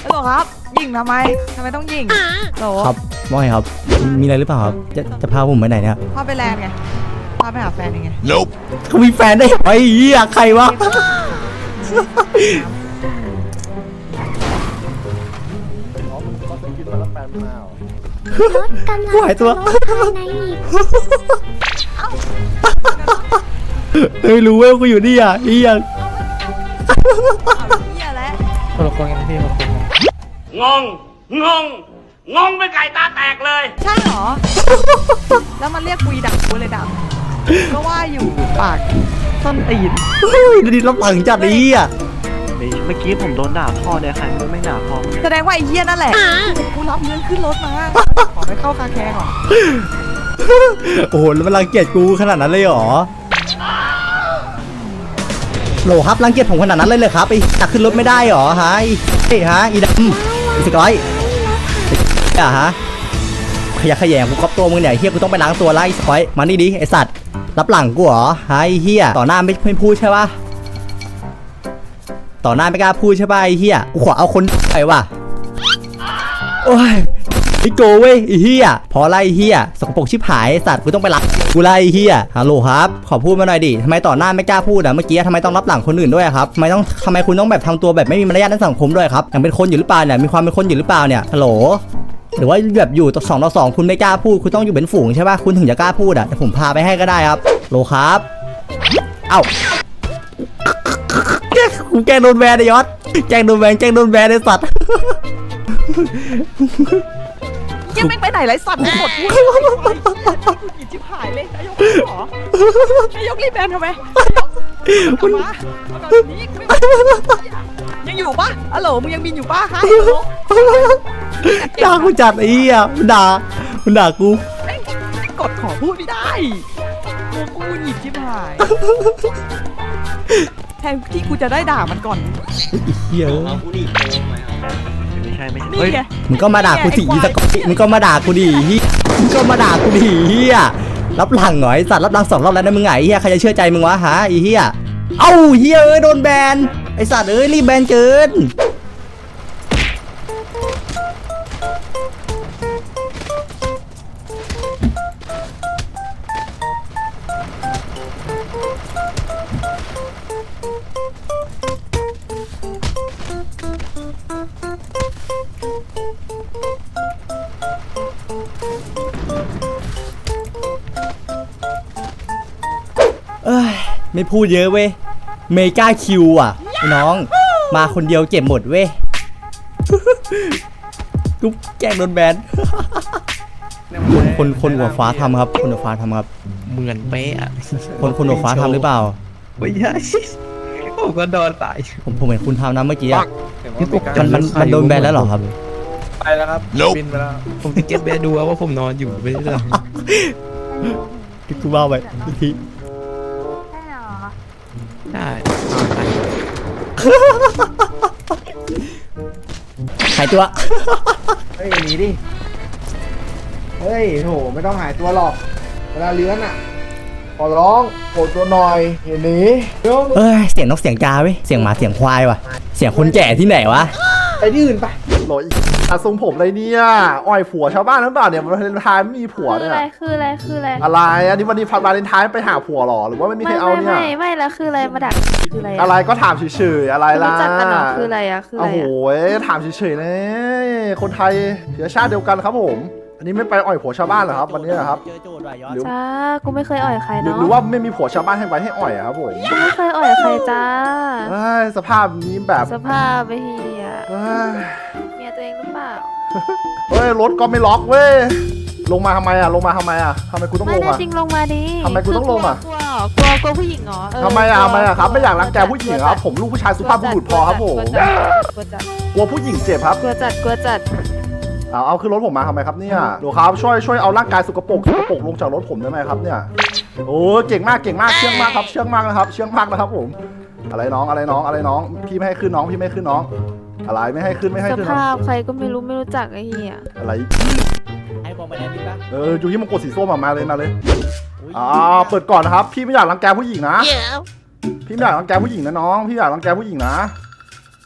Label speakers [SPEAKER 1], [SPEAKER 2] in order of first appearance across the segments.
[SPEAKER 1] หรอครับยิงทำไมต้องยิงโหล
[SPEAKER 2] ครับว่าไงครับมีอะไรหรือเปล่าครับจะพาผมไปไหนเนี่ย
[SPEAKER 1] พาไปแลนด์ไงพาไปหาแฟนยังไง
[SPEAKER 2] Nope เขามีแฟนได้ไอ้เหี้ยใครวะกูหายตัวไม่รู้เว้ยกูอยู่นี่อ่ะอียัง
[SPEAKER 1] เหี้ยแล้ว
[SPEAKER 3] คนละคนกันพี่คนละคน
[SPEAKER 4] งงเป็นไก่ตาแตกเลย
[SPEAKER 1] ใช่เหรอแล้วมันเรียกกุยดักกูเลยดักก็ว่าอยู่ปากต้นตีน
[SPEAKER 2] ดิรับหลังจัดอีอ่ะ
[SPEAKER 3] เมื่อกี้ผมโดนด่าพ่อเนี่ยใครไม่ด่าพ่อ
[SPEAKER 1] แสดงว่าไอ้เหี้ยนั่นแหละกูรับเงินขึ้นรถมาขอไปเข้าคาแคร์ก่อน
[SPEAKER 2] โอ้โหแล้วมันรังเกียจกูขนาดนั้นเลยเหรอโหลครับรังเกียจผมขนาดนั้นเลยครับไอ้ตักขึ้นรถไม่ได้เหรอฮะไอ้ฮะอีดำอีสกอยอ่ะฮะขยะขยงกูก๊อปตัวมึงเนี่ยเฮียกูต้องไปล้างตัวไล่สกอยมานี่ดิไอสัตว์รับหลังกูเหรอฮะไอ้เฮียต่อหน้าไม่พูดใช่ปะต่อหน้าไม่กล้าพูดใช่ปะไอ้เฮียกูขอเอาคนไปว่ะโอ้ยไอ้โกเว้ยไอ้เฮียพอไล่เฮียสกปรกชิบหายไอสัตว์กูต้องไปรับกูไล่เฮียฮัลโหลครับขอพูดมาหน่อยดิทำไมต่อหน้าไม่กล้าพูดอ่ะเมื่อกี้ทำไมต้องรับหลังคนอื่นด้วยครับทำไมคุณต้องแบบทำตัวแบบไม่มีมารยาทในสังคมด้วยครับยังเป็นคนอยู่หรือเปล่าเนี่ยมีความเป็นคนอยู่หรือเปล่าเนี่ยฮัลโหลหรือว่าแบบอยู่ต่อ2 คุณไม่กล้าพูดคุณต้องอยู่เป็นฝูงใช่ป่ะคุณถึงจะกล้าพูดอ่ะแต่ผมพาไปให้ก็ได้ครับโหลครับเอ้ากูแกล้งโดนแบนไอ้ยศแกล้งโดนแบนไอ้สัตว์
[SPEAKER 1] ยังไม่ไปไหนไรสัตว์หมดพูดอีจิบหายเลยนายกหรอนายกรีบแบนทำไมกลับมายังอยู่ปะฮัลโหลมึงยังบินอยู่ปะฮะ
[SPEAKER 2] ด่ากูจัดไอ้เหี้ยมันด่ากู
[SPEAKER 1] กดขอพูดไม่ได้กูหยิบจิบหายแทนที่กูจะได้ด่ามันก่อน
[SPEAKER 2] เหี้ย
[SPEAKER 3] ไม่ใช่
[SPEAKER 1] นี่ไง
[SPEAKER 2] มึงก็มาด่ากูสิอีสกอตมึงก็มาด่ากูดิเฮียรับหลังหน่อยสัตว์รับหลัง2 รอบแล้วนะมึงไงเฮียใครจะเชื่อใจมึงวะฮะไอ้เฮียเอ้าเฮียโดนแบนไอสัตว์รีบแบนเกินไม่พูดเยอะเว้ยเมกาคิวอ่ะน้องมาคนเดียวเก็บหมดเว้ยกูแกล้งโดนแบนคนหัวฟ้าทำครับคนหัวฟ้าทำครับ
[SPEAKER 3] เหมือนเป๊ะ
[SPEAKER 2] คนหัวฟ้าทำหรือเปล่า
[SPEAKER 3] ไม่ใช่ผมก็โดนตาย
[SPEAKER 2] ผมเห็นคุณทำนะเมื่อกี้มันโดนแบนแล้วเหรอครับ
[SPEAKER 3] ไปแล้วครับบินไปแล้วผมจะเก็บแบนดูว่าผมนอนอยู่ไม่ได้หรอ
[SPEAKER 2] ที่กูว่าไปอีกที
[SPEAKER 3] ได้
[SPEAKER 2] หายตัว
[SPEAKER 5] เฮ้ยหนีดิเฮ้ยโถไม่ต้องหายตัวหรอกเวลาเลื้อนอ่ะขอร้องโผล่ตัวหน่อยอย่าหนี
[SPEAKER 2] เสียงนกเสียงกาเว้ยเสียงหมาเสียงควายว่ะเสียงคนแก่ที่ไหนวะ
[SPEAKER 5] ไปที่อื่นไปโหลยทรงผมอะไรเนี่ยอ่อยผัวชาวบ้านหรือเปล่าเนี่ยวันเลนไทน์ไม่มีผัวเนี่ย
[SPEAKER 6] คืออะไร
[SPEAKER 5] อะไรอันนี้วันนี้วาเลนไทน์ไปหาผัวหรอหรือว่าไม่มีใครเอาเนี่ย
[SPEAKER 6] ไม่แล้วคืออะไรมาดักคืออะไร
[SPEAKER 5] อะไรก็ถามเฉยๆอะไรล่ะ
[SPEAKER 6] รู้จักกันหรอคืออะไรอะคืออะไร
[SPEAKER 5] โอ้โหถามเฉยๆเลยคนไทยเชื้อชาติเดียวกันครับผมอันนี้ไม่ไปอ่อยผัวชาวบ้านเหรอครับวันนี้ครับ
[SPEAKER 6] จ้ากูไม่เคยอ่อยใครเนาะ
[SPEAKER 5] หรือว่าไม่มีผัวชาวบ้านให้ไว้ให้อ่อยครับผม
[SPEAKER 6] กูไม่เคยอ่อยใครจ้า
[SPEAKER 5] สภาพนี้แบบ
[SPEAKER 6] สภาพไม่เฮียเมียตัวเองหรือเปล่า
[SPEAKER 5] เฮ้ยรถก็ไม่ล็อกเว้ยลงมาทำไมอ่ะทำไมกูต้องลงอ่ะ
[SPEAKER 6] จริงลงมาดิ
[SPEAKER 5] ทำไมกูต้องลงอ่ะ
[SPEAKER 6] กลัวผู้หญิงเหรอ
[SPEAKER 5] ทำไมอ่ะครับไม่อยากรังแกผู้หญิงครับผมลูกผู้ชายสุภาพบุรุษพอครับผมกลัวผู้หญิงเจ็บครับ
[SPEAKER 6] กลัวจัด
[SPEAKER 5] เอาขึ้นรถผมมาทำไมครับเนี่ยดูครับช่วยเอาร่างกายสกปรกลงจากรถผมได้ไหมครับเนี่ยโอ้เก่งมากเชื่องมากครับเชื่องมากนะครับผมอะไรน้องพี่ไม่ให้ขึ้นน้องอะไรไม่ให้ขึ้น
[SPEAKER 6] สภาพใครก็ไม่รู้จักไอ้เหี้ย
[SPEAKER 5] อะไร
[SPEAKER 2] ให้บอกมาแล้วนี่ปะ
[SPEAKER 5] อยู่ที่มงกุฎสีส้มมาเลยเปิดก่อนนะครับพี่ไม่อยากรังแกผู้หญิงนะพี่ไม่อยากรังแกผู้หญิงนะน้องพี่อยากรังแกผู้หญิงนะ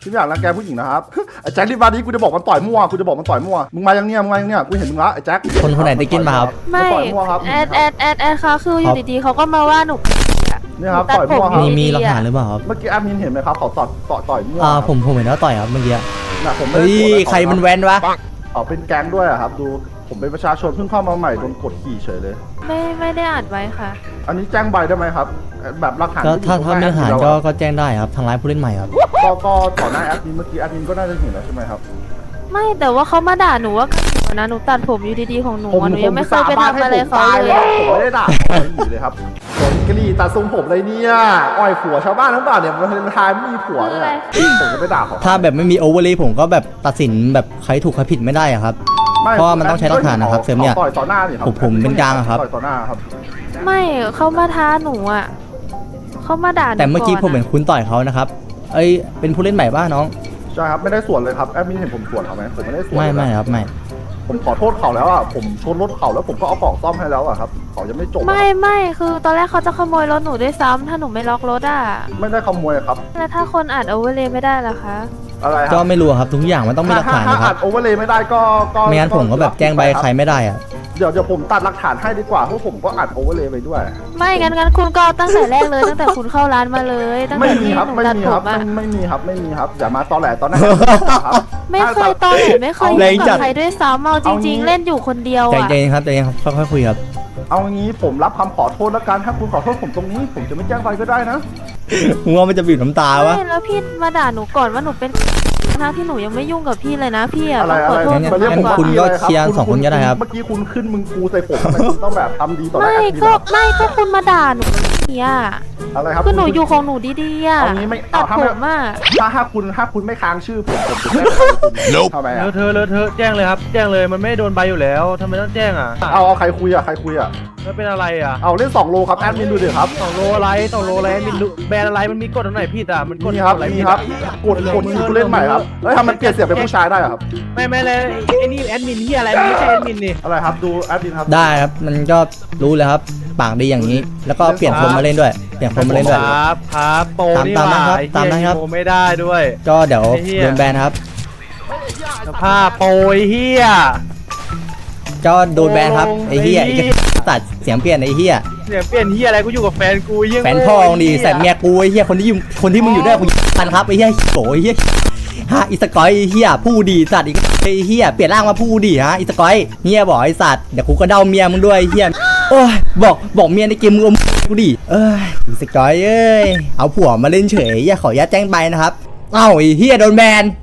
[SPEAKER 5] พี่ไม่อยากรังแกผู้หญิงนะครับ ไอ้แจ็ครีบมาดิกูจะบอกมันต่อยมั่วกูจะบอกมันต่อยมั่วมึงมายังเนี่ยกูเห็นมึงละไอ้แจ็ค
[SPEAKER 2] คนไหนได้กินมาครับ
[SPEAKER 6] ไม่
[SPEAKER 5] ต่อยมั่วครับ
[SPEAKER 6] แอดค่ะคืออยู่ดีๆเขาก็มาว่าหนู
[SPEAKER 5] เนี่ยครับ
[SPEAKER 6] ตัด
[SPEAKER 5] ต่อย
[SPEAKER 6] ผม
[SPEAKER 5] มั่วครับ
[SPEAKER 2] มีหลักฐานหรือเปล่าครับ
[SPEAKER 5] เมื่อกี้แอดมินเห็นไหมครับเขาต่อยมั่ว
[SPEAKER 2] ผมเห็นว่าต่อยครับเมื่อกี้
[SPEAKER 5] นะผมไม่
[SPEAKER 2] เฮ้
[SPEAKER 5] ได้
[SPEAKER 2] ย
[SPEAKER 5] โกรธอะ
[SPEAKER 2] ใครมันแว้นวะ
[SPEAKER 5] เขาเป็นแก๊งด้วยอะครับดูผมเป็นประชาชนเพิ่งเข้ามาใหม่โดนกดขี่เฉยเลย
[SPEAKER 6] ไม่ได้อัดไว้ค่ะ
[SPEAKER 5] อันนี้แจ้งใบได้ไหมครับแบบหลักฐาน
[SPEAKER 2] ก็ถ้า
[SPEAKER 5] ที่อยู่
[SPEAKER 2] ไม่
[SPEAKER 5] ตรง
[SPEAKER 2] หาร
[SPEAKER 5] น้
[SPEAKER 2] ก็แจ้งได้ครับทางร้ายผู้เล่นใหม่ครับ
[SPEAKER 5] ก็ต่อหน้าแอดมินเมื่อกี้แอดมินก็น่าจะเห็นแล้วใช่ไหมครับ
[SPEAKER 6] ไม่แต่ว่าเขามาด่าหนูว่านะหนูตัดผมอยู่ดีๆของหนูอะหนูยังไม่เคยไปทำอะไรเขา
[SPEAKER 5] ผม
[SPEAKER 6] เลย
[SPEAKER 5] ผมไม่ได้ด่าเขาเลยครับผมกรีตัดทรงผมเลยเนี่ยอ่อยผัวชาวบ้านทั้งบ้านเนี่ยมันทายไม่มีผัวเนี่ยผมจะไปด่าเขา
[SPEAKER 2] ถ้าแบบไม่มีโอเวอร์เลยผมก็แบบตัดสินแบบใครถูกใครผิดไม่ได้อะครับ เพราะว่ามันต้องใช้หลักฐานนะครับเซมเนี่ย
[SPEAKER 5] ต่อยต่อหน้านี่ครับ
[SPEAKER 2] ผมเป็นกลางอะครับ
[SPEAKER 5] ต่อยต่อหน้าครับ
[SPEAKER 6] ไม่เขามาท้าหนูอ่ะเขามาด่าหนู
[SPEAKER 2] แต่เมื่อกี้ผม
[SPEAKER 6] ะ
[SPEAKER 2] เห็นคุณต่อยเขานะครับ เอ้ยเป็นผู้เล่นใหม่ป่ะน้อง
[SPEAKER 5] ใช่ครับไม่ได้ส่วนเลยครับแอดมินเห็นผมส่วนเขาไหมผมไม่ได้ส่วน
[SPEAKER 2] ไม่
[SPEAKER 5] เลย
[SPEAKER 2] ไม่ครับไม่
[SPEAKER 5] ผมขอโทษเขาแล้วอ่ะผมชนรถเขาแล้วผมก็เอากล่องซ่อมให้แล้วอ่ะครับเขายังไม่จบอะ
[SPEAKER 6] ไม่คือตอนแรกเขาจะขโมยรถหนูด้วยซ้ำถ้าหนูไม่ล็อกรถอ่ะ
[SPEAKER 5] ไม่ได้ขโมยครับ
[SPEAKER 6] แล้วถ้าคนอัดโอเวอร์เลยไม่ได้ล่ะคะ
[SPEAKER 5] อะไรค
[SPEAKER 2] ก็
[SPEAKER 5] รับ
[SPEAKER 2] ไม่รู้ครับทุกอย่างมันต้องมีหลักฐาน
[SPEAKER 5] ถ้า
[SPEAKER 2] นะค
[SPEAKER 5] อั
[SPEAKER 2] รับ
[SPEAKER 5] ดโอเวอร์เลยไม่ได้ก็
[SPEAKER 2] ไม่งั้นผมก็แบบแจ้งใบใครไม่ได้อะ
[SPEAKER 5] เดี๋ยวผมตัดหลักฐานให้ดีกว่าเพราะผมก็อัดโอเวอร์เลยไปด้วย
[SPEAKER 6] ไม่งั้นคุณก็ตั้งแต่แรกเลยตั้งแต่คุณเข้าร้านมาเลยตั้ง
[SPEAKER 5] ไม่
[SPEAKER 6] แต่
[SPEAKER 5] มี
[SPEAKER 6] ที่
[SPEAKER 5] ครับ
[SPEAKER 6] หนู
[SPEAKER 5] ไม่
[SPEAKER 6] ตัด
[SPEAKER 5] มี
[SPEAKER 6] ผ
[SPEAKER 5] ครับ
[SPEAKER 6] มอ่ะ
[SPEAKER 5] ไม่มีครับไม่มีครับอย่ามาตอแหลตอนนั้นครับ
[SPEAKER 6] ไม่เคยตอนไหนไม่เคย
[SPEAKER 2] แร
[SPEAKER 6] ยุ่
[SPEAKER 2] ง
[SPEAKER 6] ง
[SPEAKER 2] จั
[SPEAKER 6] กั
[SPEAKER 2] ด
[SPEAKER 6] บใครด้วยซ้ำเอาจริง ๆ เล่นอยู่คนเดียว
[SPEAKER 2] ใจ
[SPEAKER 6] อ่ะ
[SPEAKER 2] เย็นครับใจเย็นครับค่อยๆคุยครับ
[SPEAKER 5] เอางี้ผมรับคำขอโทษแล้วกันถ้าคุณขอโทษผมตรงนี้ ผมจะไม่แจ้งใครก็ได้นะ
[SPEAKER 2] มึงว่ามันจะบีบน้ำตาวะ
[SPEAKER 6] ไม่แล้วพี่มาด่าหนูก่อนว่าหนูเป็นทั้งที่หนูยังไม่ยุ่งกับพี่เลยนะพี่อ่ะ
[SPEAKER 5] อะไร
[SPEAKER 6] ขอโทษ
[SPEAKER 2] งั้น
[SPEAKER 5] มาเรียกผม
[SPEAKER 2] คุณก็เคลียร์
[SPEAKER 5] พี่
[SPEAKER 2] สองคนก็ได้ครับ
[SPEAKER 5] เมื่อกี้คุณขึ้นมึงกูใส่ผมทำไมคุณต้องแบบทำดีต่อหน้า
[SPEAKER 6] ไม่
[SPEAKER 5] แอดมิน
[SPEAKER 6] ก็
[SPEAKER 5] อะ
[SPEAKER 6] ไม่ก็คุณมาด่าหนูเนี่ย
[SPEAKER 5] อะไรครับ
[SPEAKER 6] คือหนูอยู่ของหนูดีๆอ่ะ
[SPEAKER 5] เอางี้ไม่
[SPEAKER 6] ตั
[SPEAKER 5] เอา
[SPEAKER 6] ด
[SPEAKER 5] ถ้า
[SPEAKER 6] ผ
[SPEAKER 5] ไม่
[SPEAKER 6] มอ่ะ
[SPEAKER 5] ถ้าคุณไม่ค้างชื่อผมจะไม่ทำไม
[SPEAKER 3] เล
[SPEAKER 5] อะ
[SPEAKER 3] อะเธอะแจ้งเลยครับ แจ้งเลยมันไม่ได้โดนใบอยู่แล้วทำไมต้องแจ้งอ่ะ
[SPEAKER 5] เอาใครคุยอะใครคุยอะ
[SPEAKER 3] แล้วเป็นอะไรอ่ะ
[SPEAKER 5] เอาเล่น2โลครับแอดมินดูดิครับ
[SPEAKER 3] 2 โลอะไร2 โลอะไรมีแบรนด์อะไรมันมีกฎตรงไหนผิดอ่ะมันกฎ
[SPEAKER 5] นี่ครับ
[SPEAKER 3] อะไร
[SPEAKER 5] นี่
[SPEAKER 3] ผิด
[SPEAKER 5] ครับ
[SPEAKER 3] อ่ะ
[SPEAKER 5] กดผู้เล่นใหม่ครับเฮ้ยทำมันเปลี่ยนเสียงเป็นผู้ชายได้เหรอครับ
[SPEAKER 3] ไม่เลยไอ้นี่แอดมินที่อะไรมันไม่ใช่แอดมินนี่
[SPEAKER 5] อะไรครับดูแอดมินครับ
[SPEAKER 2] ได้ครับมันก็รู้เลยครับปากดีอย่างนี้ แล้วก็เปลี่ยนคนมาเล่นด้วยเปลี่ยนคนมาเล่นด้วย
[SPEAKER 3] ครับโปรนี่
[SPEAKER 2] ตามนั้นครับ
[SPEAKER 3] ไอ้
[SPEAKER 2] ตามนั้นครับ
[SPEAKER 3] โปรไม่ได้ด้วย
[SPEAKER 2] ก็เดี๋ยว
[SPEAKER 3] ไอ้เหี้ย
[SPEAKER 2] โดนแบนครับ
[SPEAKER 3] สภาพโปรไอ้เฮีย
[SPEAKER 2] ก็โดนแบนครับไอ้เหี้ย
[SPEAKER 3] ไอ้
[SPEAKER 2] ไอ้
[SPEAKER 3] เหี้ย
[SPEAKER 2] ตัดเสียงเปลี่ยนไอ้เหี้ย
[SPEAKER 3] เสียงเปลี่ยนเฮียอะไรกูอยู่กับแฟนกูยัง
[SPEAKER 2] แฟนพ่อมึงดีแสบเมียกูไอ้เหี้ยคนที่มึงอยู่ด้วยกูตันครับไอ้เหี้ยโหไอ้เหี้ยฮะอีสกอยไอ้เหี้ยผู้ดีสัตว์อีกไอ้เหี้ยเปลี่ยนร่างมาผู้ดีฮะอีสกอยเหี้ยบอกไอ้สัตว์เดี๋ยวกูก็เดาเมียมึงด้วยไอ้เหี้ยโอ้ยบอกเมียในเกมมึงเอากูดิเอ้ยอีสกอยเอ้ยเอาผัวมาเล่นเฉยอย่าขออนุญาตแจ้งใบนะครับเอ้าไอ้เหี้ยโดนแบน